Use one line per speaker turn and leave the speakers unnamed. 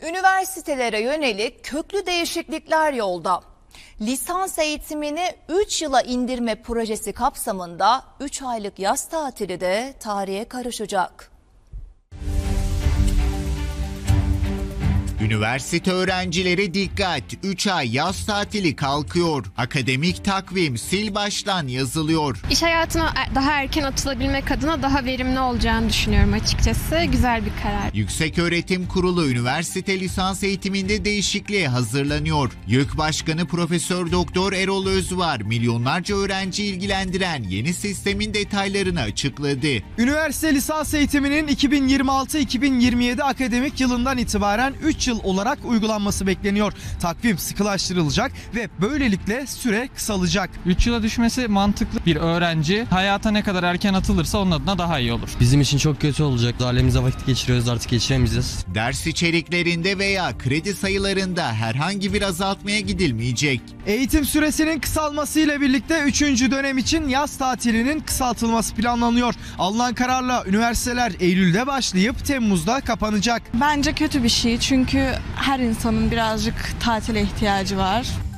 Üniversitelere yönelik köklü değişiklikler yolda. Lisans eğitimini 3 yıla indirme projesi kapsamında 3 aylık yaz tatili de tarihe karışacak.
Üniversite öğrencileri dikkat! 3 ay yaz tatili kalkıyor. Akademik takvim sil baştan yazılıyor.
İş hayatına daha erken atılabilmek adına daha verimli olacağını düşünüyorum açıkçası. Güzel bir karar.
Yükseköğretim Kurulu üniversite lisans eğitiminde değişikliğe hazırlanıyor. YÖK Başkanı Profesör Doktor Erol Özvar milyonlarca öğrenci ilgilendiren yeni sistemin detaylarını açıkladı.
Üniversite lisans eğitiminin 2026-2027 akademik yılından itibaren 3 yıl olarak uygulanması bekleniyor. Takvim sıkılaştırılacak ve böylelikle süre kısalacak.
3 yıla düşmesi mantıklı. Bir öğrenci hayata ne kadar erken atılırsa onun adına daha iyi olur.
Bizim için çok kötü olacak. Ailemizle vakit geçiriyoruz, artık geçiremeyeceğiz.
Ders içeriklerinde veya kredi sayılarında herhangi bir azaltmaya gidilmeyecek.
Eğitim süresinin kısalmasıyla birlikte 3. dönem için yaz tatilinin kısaltılması planlanıyor. Alınan kararla üniversiteler Eylül'de başlayıp Temmuz'da kapanacak.
Bence kötü bir şey çünkü her insanın birazcık tatile ihtiyacı var.